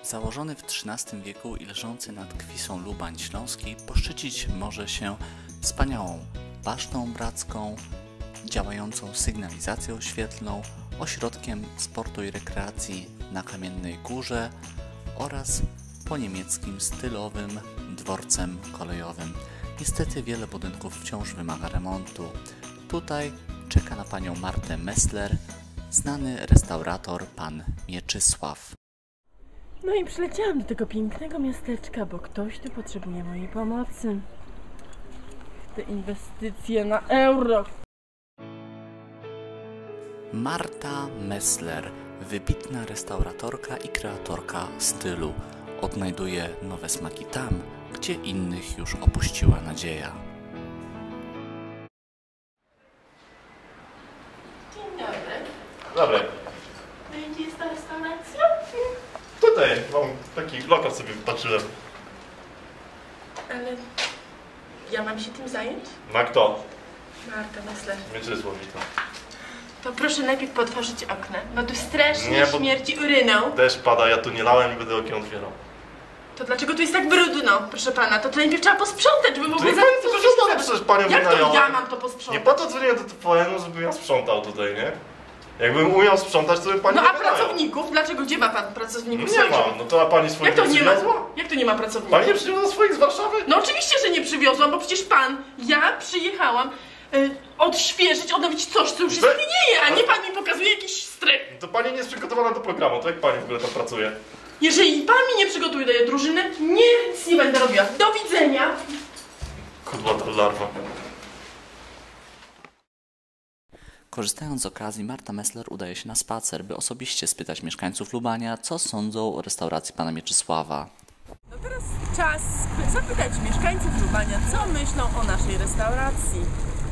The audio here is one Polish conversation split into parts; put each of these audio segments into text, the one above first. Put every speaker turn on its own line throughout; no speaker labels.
Założony w XIII wieku i leżący nad Kwisą Lubań Śląskiej poszczycić może się wspaniałą basztą bracką, działającą sygnalizacją świetlną, ośrodkiem sportu i rekreacji na Kamiennej Górze oraz po niemieckim stylowym dworcem kolejowym. Niestety wiele budynków wciąż wymaga remontu. Tutaj czeka na panią Martę Messler znany restaurator pan Mieczysław.
No i przyleciałam do tego pięknego miasteczka, bo ktoś tu potrzebuje mojej pomocy. Te inwestycje na euro.
Marta Messler, wybitna restauratorka i kreatorka stylu, odnajduje nowe smaki tam, gdzie innych już opuściła nadzieja.
Dzień dobry.
Dobry.
No i gdzie jest ta restauracja?
Tutaj mam taki lokal sobie patrzyłem.
Ale ja mam się tym zająć?
Ma kto?
Marta Messler.
Mieczysław mi to.
To proszę najpierw potworzyć okna, bo tu strasznie
Nie, bo-
śmierci uryną.
Deszcz pada, ja tu nie lałem i będę okien otwierał.
To dlaczego tu jest tak brudno, proszę pana? To najpierw trzeba posprzątać, żeby
To
mogły
nie
za
pani to sprzątać, przecież panią
Jak to
wynająłem.
ja mam to
Nie
posprzątać?
po to dzwoniłem do TVN-u, żebym ja sprzątał tutaj, nie? Jakbym umiał sprzątać, to bym pani
No
nie
a
wynajął.
pracowników? Dlaczego? Gdzie ma pan pracowników
Nie
swoich?
ma, no to a pani swoich
Jak to nie ma?
przywiozła?
Jak to nie ma pracowników?
Pani nie przywiozła swoich z Warszawy?
No oczywiście, że nie przywiozłam, bo przecież ja przyjechałam odświeżyć, odnowić coś, co już istnieje, a nie pan mi pokazuje jakiś strych.
To pani nie jest przygotowana do programu, to jak pani w ogóle tam pracuje?
Jeżeli pan mi nie przygotuje do tej drużyny, nic nie będę robiła. Do widzenia.
Kudłata larwa.
Korzystając z okazji, Marta Messler udaje się na spacer, by osobiście spytać mieszkańców Lubania, co sądzą o restauracji pana Mieczysława.
No teraz czas zapytać mieszkańców Lubania, co myślą o naszej restauracji.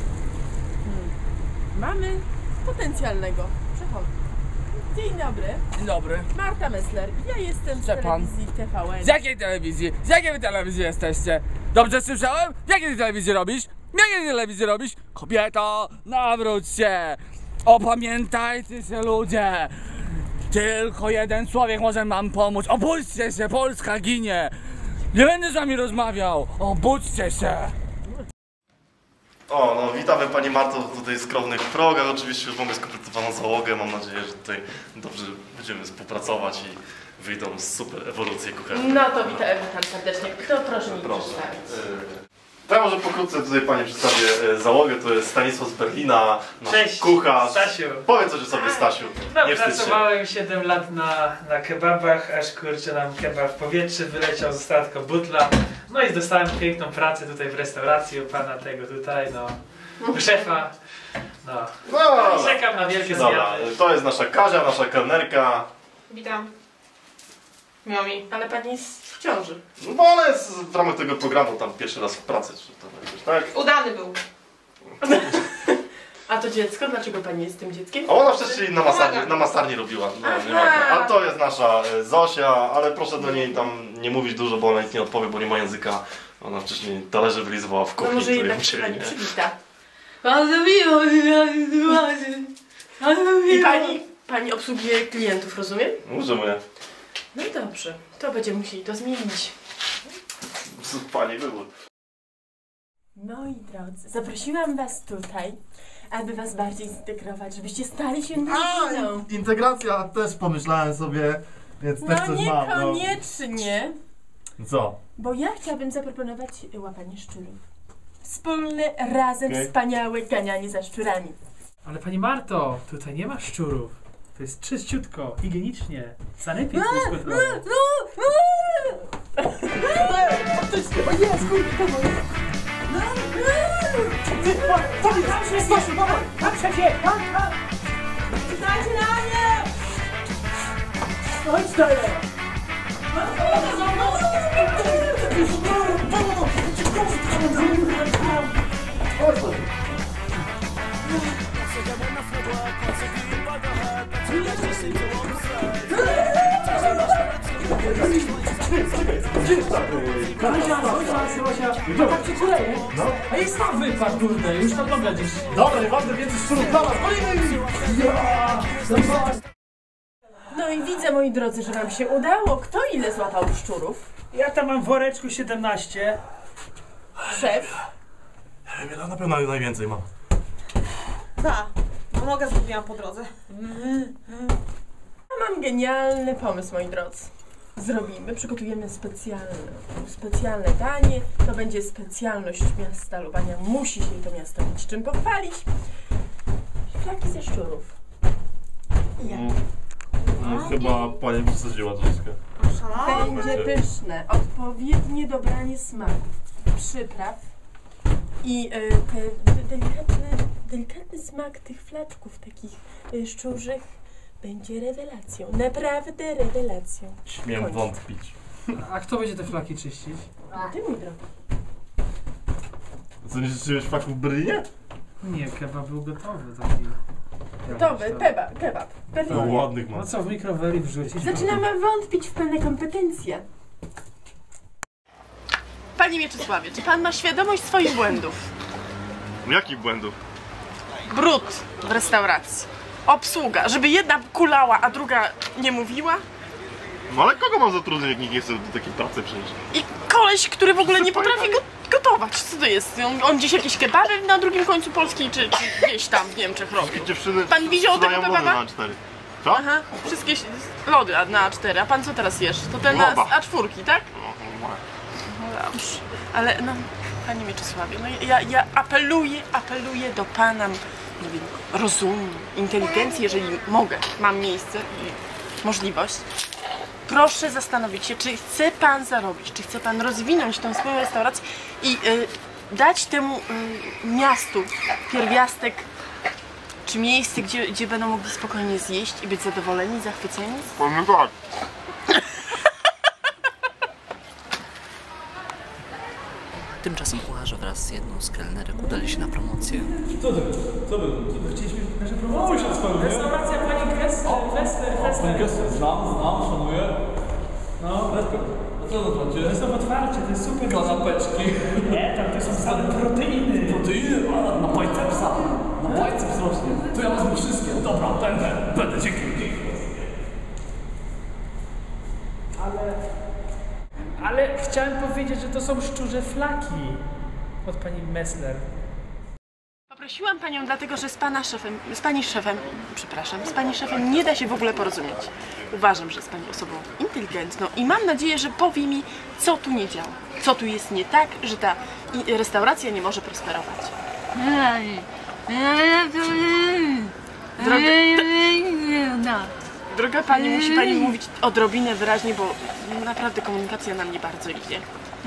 Mamy potencjalnego przechodnia. Dzień dobry.
Dzień dobry.
Marta Messler. Ja jestem z
Szczepan.
telewizji TVN.
Z jakiej telewizji? Z jakiej wy telewizji jesteście? Dobrze słyszałem? W jakiej ty telewizji robisz? W jakiej telewizji robisz? Kobieto, nawróć się! Opamiętajcie się, ludzie! Tylko jeden człowiek może nam pomóc. Obudźcie się, Polska ginie! Nie będę z wami rozmawiał! Obudźcie się!
O, no witamy pani Marto w tutaj skromnych progach. Oczywiście już mamy skompletowaną załogę. Mam nadzieję, że tutaj dobrze będziemy współpracować i wyjdą super ewolucje kuchenne.
No to witam serdecznie. Kto proszę mi
Proszę.
przedstawić?
To ja może pokrótce tutaj pani przedstawię załogę. To jest Stanisław z Berlina, nasz
Cześć,
kucharz.
Stasiu.
Powiedz coś o sobie, Stasiu.
No,
Nie wstydź się.
pracowałem 7 lat na kebabach, aż kurczę nam kebab w powietrze wyleciał, została tylko butla. No i dostałem piękną pracę tutaj w restauracji u pana tego tutaj, no. U szefa. No.
No,
I czekam na wielkie
dobra,
zmiany.
to jest nasza Kazia, nasza kelnerka.
Witam. Miło mi. Ale pani jest w ciąży.
No bo ona jest w ramach tego programu tam pierwszy raz w pracy, czy to jakoś, tak?
Udany był.
A to dziecko? Dlaczego pani jest tym dzieckiem?
A ona wcześniej na masarni robiła. No, nie ma. A to jest nasza Zosia, ale proszę do niej tam nie mówić dużo, bo ona nic nie odpowie, bo nie ma języka. Ona wcześniej talerze wylizowała w
No
kuchni,
może
której
jednak
musieli,
pani
nie?
przywita.
Bardzo miło.
I pani obsługuje klientów, rozumiem?
Możemy.
No i dobrze. To będziemy musieli to zmienić.
Pani wybór.
Moi drodzy, zaprosiłam was tutaj, aby was bardziej zintegrować, żebyście stali się rodziną.
Integracja też pomyślałem sobie, więc też
No
coś mam. No.
niekoniecznie,
Co?
bo ja chciałabym zaproponować łapanie szczurów. Wspólne, razem,
Okej.
wspaniałe ganianie za szczurami.
Ale pani Marto, tutaj nie ma szczurów. To jest czyściutko, higienicznie. Sanepid jest kontrolny. A jest tam wypadł, kurde, już tam nogę gdzieś.
Dobra, nieważne, więcej szczurów dla was, golimy! Ja!
No i widzę Widzę, moi drodzy, że wam się udało. Kto ile złapał szczurów?
Ja tam mam w woreczku 17.
Szef?
Ja na pewno najwięcej mam.
Nogę zgubiłam po drodze.
Mam genialny pomysł, moi drodzy. Przygotujemy specjalne danie. To będzie specjalność miasta Lubania. Musi się to miasto mieć czym pochwalić. Flaki ze szczurów. Ja.
No, chyba pani przesadziła troszkę.
Będzie pyszne, odpowiednie dobranie smaków, przypraw i delikatny smak tych flaczków takich szczurzych będzie rewelacją. Naprawdę rewelacją.
Śmiem wątpić.
A kto będzie te flaki czyścić?
Ty, mój drogi.
Co, nie życzyłeś faków w Berlinie?
Nie, kebab był gotowy taki.
Gotowy, kebab.
No, ładnych mam.
No co, w mikroweli wrzucić?
Zaczynamy wątpić w pewne kompetencje. Panie Mieczysławie, czy pan ma świadomość swoich błędów?
Jakich błędów?
Brud w restauracji. Obsługa, żeby jedna kulała, a druga nie mówiła.
No ale kogo mam zatrudnić, jak nikt nie chce do takiej pracy przyjść?
I koleś, który w ogóle nie potrafi gotować. Co to jest? On gdzieś jakieś kebaby na drugim końcu Polski, czy gdzieś tam w Niemczech robił.
Dziewczyny
Pan widział tego
sprzedają
kebaba?
lody na A4. Co?
Aha, wszystkie lody na A4. A pan co teraz jesz? To ten na A4, tak? No dobrze. Ale no, panie Mieczysławie, no ja apeluję do pana, nie wiem, rozumu, inteligencji, jeżeli mogę, mam miejsce i możliwość. Proszę zastanowić się, czy chce pan zarobić, czy chce pan rozwinąć tą swoją restaurację i dać temu miastu pierwiastek, czy miejsce, gdzie będą mogli spokojnie zjeść i być zadowoleni, zachwyceni?
Powiem tak.
Tymczasem kucharze wraz z jedną z kelnerek udali się na promocję.
Co chcieliśmy nasze promocje spełnić. Restauracja pani Kessler.
Znam, szanuję.
No,
A co to znaczy?
to są otwarcie, to jest super.
Kanapeczki.
Nie, tam to są same proteiny.
Proteiny? A, na bicepsa. Na biceps rośnie. To ja wezmę wszystkie. Dobra, będę, dzięki.
Ale chciałem powiedzieć, że to są szczurze flaki od pani Messler.
Poprosiłam panią dlatego, że z pani szefem nie da się w ogóle porozumieć. Uważam, że jest pani osobą inteligentną i mam nadzieję, że powie mi, co tu nie działa. Co tu jest nie tak, że ta restauracja nie może prosperować. Droga pani, musi pani mówić odrobinę wyraźnie, bo naprawdę komunikacja nam nie bardzo idzie.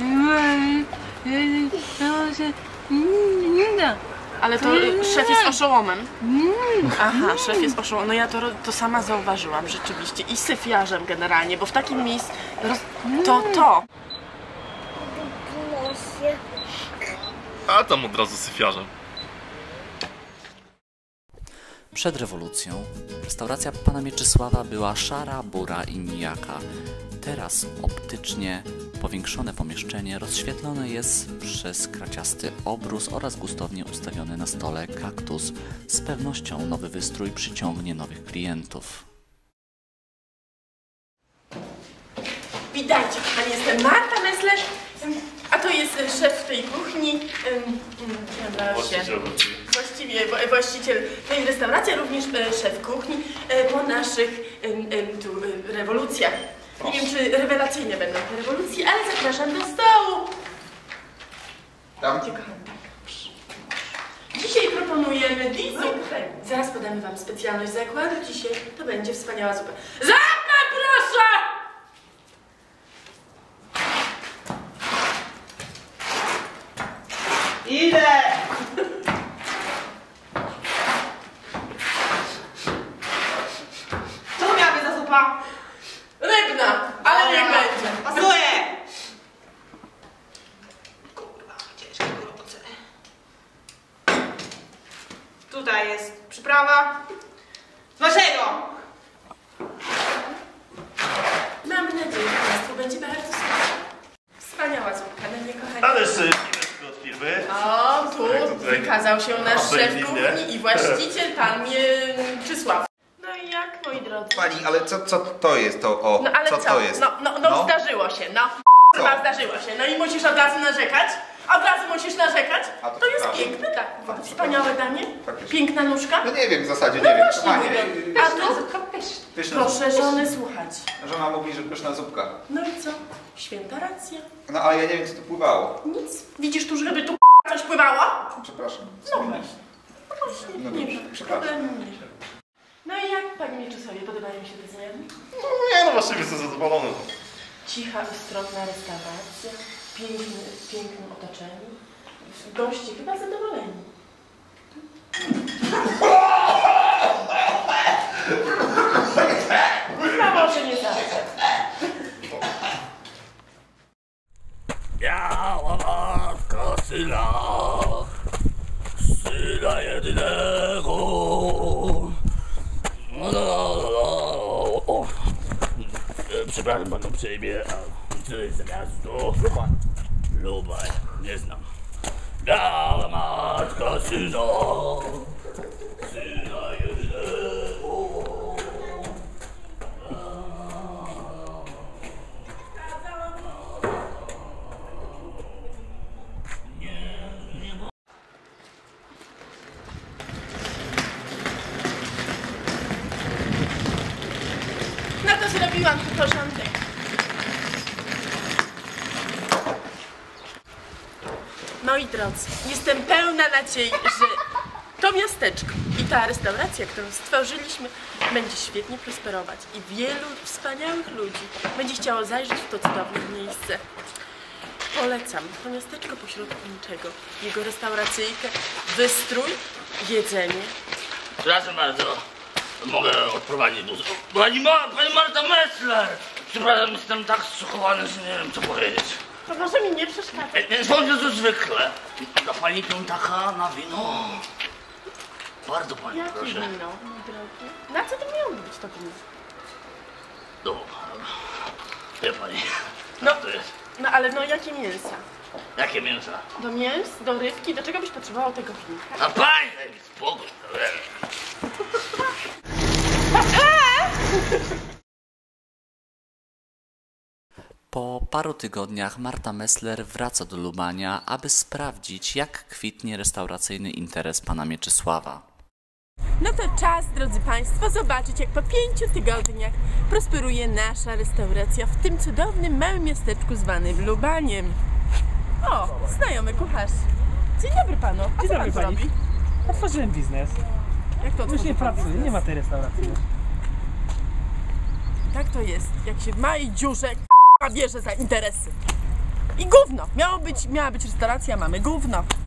Ale to szef jest oszołomem. Aha, szef jest oszołomem. No ja to sama zauważyłam rzeczywiście. I syfiarzem generalnie, bo w takim miejscu... To.
A tam od razu syfiarzem.
Przed rewolucją restauracja pana Mieczysława była szara, bura i nijaka. Teraz optycznie powiększone pomieszczenie rozświetlone jest przez kraciasty obrus oraz gustownie ustawiony na stole kaktus. Z pewnością nowy wystrój przyciągnie nowych klientów.
Witajcie, kochani, jestem Marta Messler, a to jest szef tej kuchni. Właściciel tej restauracji, również szef kuchni po naszych rewolucjach. Nie wiem, czy rewelacyjne będą te rewolucje, ale zapraszam do stołu. Tam? Tak. Dzisiaj proponujemy zupę. Zaraz podamy wam specjalność zakładu. Dzisiaj to będzie wspaniała zupa. Zapę, proszę!
Idę! Co to miała być za zupa?
Rybna, ale niech będzie.
Pasuje! Kurwa, ciężkie roboty. Tutaj jest przyprawa. Smacznego!
Mam nadzieję, że Państwu będzie bardzo smaczna. Wspaniała zupka, no nie kochani.
Ale jeszcze od firmy.
O, tu
tutaj
wykazał się nasz szef
absolutnie.
kuchni i właściciel, pan Mieczysław. No i ja tak, moi drodzy.
Pani, ale co to jest to? O,
No ale co?
to jest?
No, zdarzyło się, no. Chyba zdarzyło się. No i musisz od razu narzekać? Od razu musisz narzekać?
A to
To jest
przepraszam.
piękne, tak. Wspaniałe danie.
Faktycznie.
Piękna nóżka.
No nie wiem, w zasadzie
No
nie wiem.
właśnie,
Kochanie,
mówię. A tu?
pyszna
Proszę żony słuchać.
Żona mówi, że pyszna zupka.
No i co? Święta racja.
No ale ja nie wiem, co tu pływało.
Nic. Widzisz tu, żeby tu coś pływało?
Przepraszam.
No właśnie. No właśnie,
No
nie
dobrze,
wiem.
przepraszam.
Problemu nie. No i jak Pani Mieczysławie podobają mi się te zmiany?
No nie, no właściwie jestem zadowolony.
Cicha, ustronna restauracja, pięknym otoczeniu. Goście chyba zadowoleni. No może nie zawsze.
Biała matka syna jedynego. Przepraszam panu przejmie, a co jest za miasto? Lubań, nie znam. Biała matka syna jedynego.
No to zrobiłam tu porządek. Moi drodzy, jestem pełna nadziei, że to miasteczko i ta restauracja, którą stworzyliśmy, będzie świetnie prosperować i wielu wspaniałych ludzi będzie chciało zajrzeć w to cudowne miejsce. Polecam to miasteczko pośrodku niczego, jego restauracyjkę, wystrój, jedzenie.
Przepraszam bardzo, mogę odprowadzić bus. Pani Marta Messler! Przepraszam, jestem tak zszokowany, że nie wiem co powiedzieć.
To może mi nie przeszkadza.
Nie sądzę, że zwykle. Da pani piątaka na wino? Bardzo pani
Jakie
proszę.
wino, mój drogi? Na co to miało być to wino?
No, wie pani,
No.
to jest.
No ale no jakie mięsa?
Jakie mięsa?
Do mięs, do rybki, do czego byś potrzebował tego winka?
A pani, daj mi spokój.
Po paru tygodniach Marta Messler wraca do Lubania, aby sprawdzić, jak kwitnie restauracyjny interes pana Mieczysława.
No to czas, drodzy Państwo, zobaczyć jak po 5 tygodniach prosperuje nasza restauracja w tym cudownym małym miasteczku zwanym Lubaniem. O, znajomy kucharz. Dzień dobry Panu. A
Dzień
co
dobry,
Pan
pani.
robi?
Otworzyłem biznes.
Jak to
Już nie
otworzył pan
pracuję,
biznes?
nie ma tej restauracji.
Tak to jest, jak się w małej dziurze bierze za interesy. I gówno. Miała być restauracja, mamy gówno.